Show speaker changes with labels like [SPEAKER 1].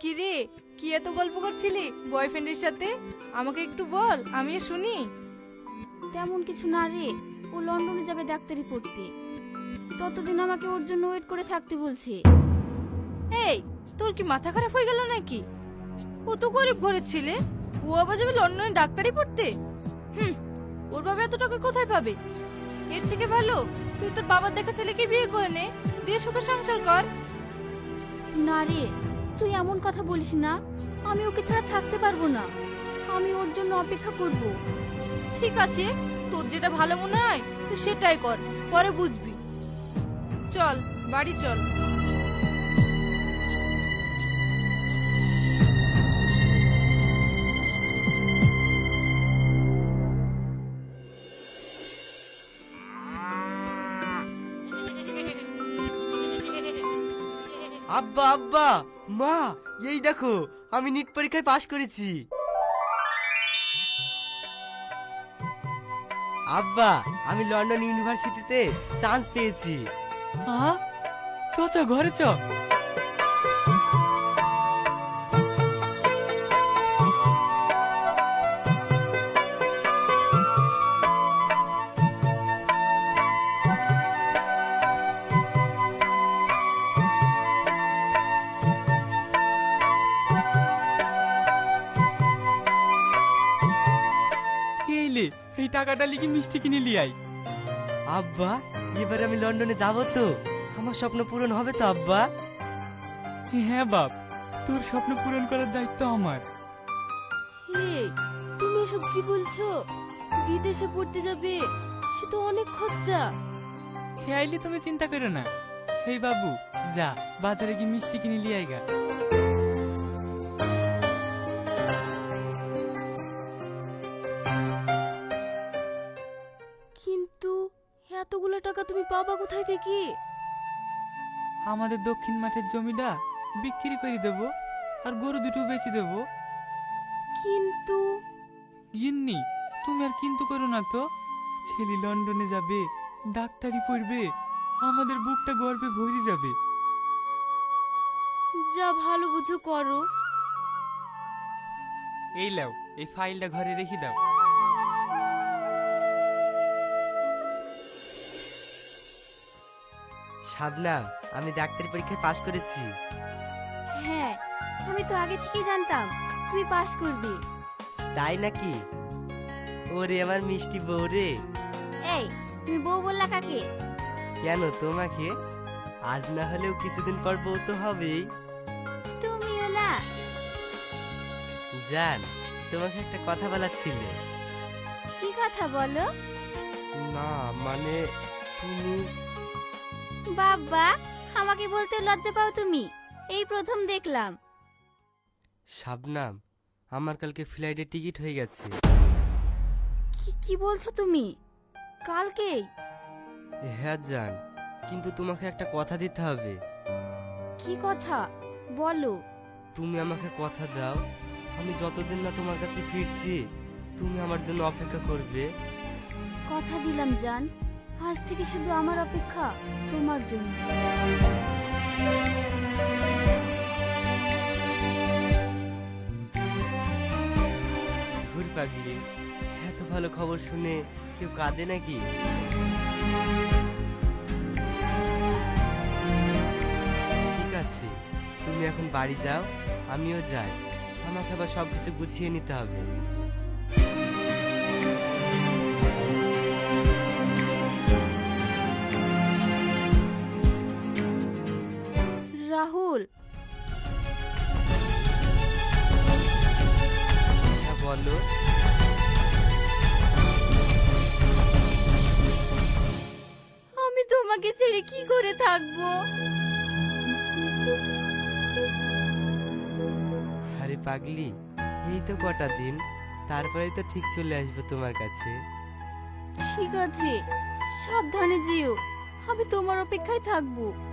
[SPEAKER 1] কি রে, কি এত গল্প করছিলি বয়ফ্রেন্ডের সাথে? আমাকে একটু বল, আমিও শুনি।
[SPEAKER 2] তেমন কিছু না রে, ও লন্ডনে যাবে ডাক্তারি পড়তে। ততদিন আমাকে ওর জন্য ওয়েট করে থাকতে বলছে।
[SPEAKER 1] এই, তোর কি মাথা খারাপ হয়ে গেল নাকি? ও তো গরিব ঘরের ছেলে, ও আবার যাবে লন্ডনে ডাক্তারি পড়তে? হুম, ওর বাবা এত টাকা কোথায় পাবে? এর থেকে ভালো তুই তোর বাবার দেখা ছেলেকে বিয়ে করে নে, দিয়ে সুখে সংসার কর।
[SPEAKER 2] না রে, তুই এমন কথা বলিস না। আমি ওকে ছাড়া থাকতে পারবো না। আমি ওর জন্য অপেক্ষা করব।
[SPEAKER 1] ঠিক আছে, তোর যেটা ভালো মনে হয় তুই সেটাই কর, পরে বুঝবি। চল বাড়ি চল।
[SPEAKER 3] আব্বা আব্বা, মা, এই দেখো আমি নিট পরীক্ষায় পাশ করেছি। আব্বা, আমি লন্ডন ইউনিভার্সিটিতে চান্স পেয়েছি।
[SPEAKER 4] হ্যাঁ, চ চ ঘরে চ। এইলে, এই টাকাটা লিখে মিষ্টি কিনে লিয়াই।
[SPEAKER 3] আব্বা, এবার আমি লন্ডনে যাব তো? আমার স্বপ্ন পূরণ হবে তো আব্বা?
[SPEAKER 4] হ্যাঁ বাপ, তোর স্বপ্ন পূরণ করার দায়িত্ব আমার।
[SPEAKER 2] এই, তুমি এসব কি বলছো? বিদেশে পড়তে যাবে, সে তো অনেক খরচা।
[SPEAKER 4] হে আইলি, তুমি চিন্তা করো না। হেই বাবু, যা বাজারে গিয়ে মিষ্টি কিনে লিয়ে আইগা।
[SPEAKER 2] কিন্তু এতগুলো টাকা তুমি পাবা কোথায় থেকে?
[SPEAKER 4] আমাদের দক্ষিণ মাঠের জমিটা বিক্রি করে দেবো, আর গরু দুটো বেচে দেবো।
[SPEAKER 2] কিন্তু
[SPEAKER 4] গিন্নি, তুমি আর কিন্তু করো না তো। ছেলে লন্ডনে যাবে, ডাক্তারি পড়বে, আমাদের বুকটা গর্বে ভরে যাবে।
[SPEAKER 2] যা ভালো বুঝো করো।
[SPEAKER 4] এই লাও, এই ফাইলটা ঘরে রেখে দাও।
[SPEAKER 3] শাবনাম, আমি ডাক্তারি পরীক্ষায় পাশ করেছি।
[SPEAKER 2] হ্যাঁ, আমি তো আগে থেকেই জানতাম তুমি পাস করবে।
[SPEAKER 3] তাই নাকি? ওরে আমার মিষ্টি বউ রে।
[SPEAKER 2] এই, তুমি বউ বললা কাকে?
[SPEAKER 3] কেন তোমাকে? আজ না হলেও কিছুদিন পর বউ তো হবেই।
[SPEAKER 2] তুমি ওলা।
[SPEAKER 3] জান, তোমাকে একটা কথা বলার ছিল।
[SPEAKER 2] কি কথা বলো?
[SPEAKER 3] না মানে, তুমি
[SPEAKER 2] বাবা, আমাকে বলতে লজ্জা পাও তুমি? এই প্রথম দেখলাম।
[SPEAKER 3] শাবনাম, আমার কালকে ফ্লাইটের টিকিট হয়ে গেছে।
[SPEAKER 2] কি কি বলছো তুমি? কালকেই?
[SPEAKER 3] হ্যাঁ জান, কিন্তু তোমাকে একটা কথা দিতে হবে।
[SPEAKER 2] কি কথা বলো?
[SPEAKER 3] তুমি আমাকে কথা দাও, আমি যতদিন না তোমার কাছে ফিরছি তুমি আমার জন্য অপেক্ষা করবে।
[SPEAKER 2] কথা দিলাম জান, আজ থেকে শুধু আমার অপেক্ষা তোমার জন্য।
[SPEAKER 3] ধুর পাগলি, এত ভালো খবর শুনে কেউ কাঁদে নাকি? ঠিক আছে, তুমি এখন বাড়ি যাও, আমিও যাই। আমাকে আবার সবকিছু গুছিয়ে নিতে হবে।
[SPEAKER 2] রাহুল,
[SPEAKER 3] হ্যাঁ বলো।
[SPEAKER 2] আমি তোমাকে ছেড়ে কি করে থাকবো?
[SPEAKER 3] আরে পাগলি, এই তো কটা দিন, তারপরেই তো ঠিক চলে আসবো তোমার কাছে।
[SPEAKER 2] ঠিক আছে, সাবধানে যেও। আমি তোমার অপেক্ষায় থাকবো।